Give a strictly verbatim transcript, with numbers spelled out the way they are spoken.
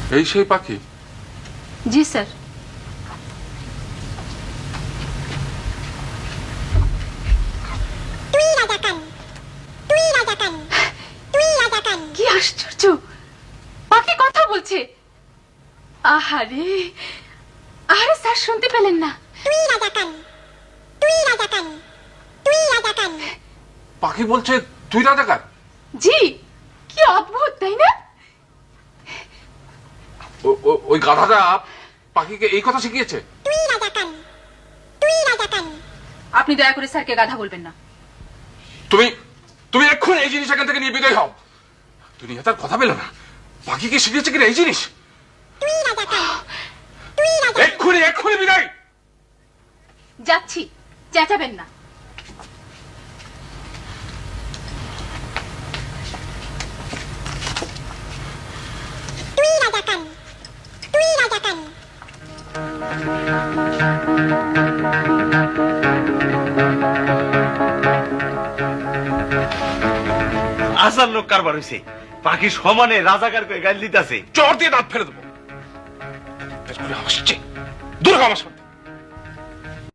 এই সেই পাখি? জি স্যার। কি আশ্চর্য, পাখি কথা বলছে। আহারে, আরে স্যার শুনতে পেলেন না? পাখি বলছে তুই রাজাকার? জি, কি অদ্ভুত তাই না? ওই গাধাটা পাখিকে এই কথা শিখিয়েছে? আপনি দয়া করে স্যারকে গাধা বলবেন না। তুমি তুমি এক্ষুনি এই জিনিস এখান থেকে নিয়ে বিদায় হও। দুনিয়া তার কথা পেল না, পাখিকে শিখিয়েছে কিনা এই জিনিস। এক্ষুনি এক্ষুনি বিদায়। যাচ্ছি, চেঁচাবেন না। আসার লোক কারবার হয়েছে, পাখি সমানে রাজাকার করে গাল দিতেছে। চর দিয়ে দাঁত ফেলে দেবো। দূর হ আমার সামনে।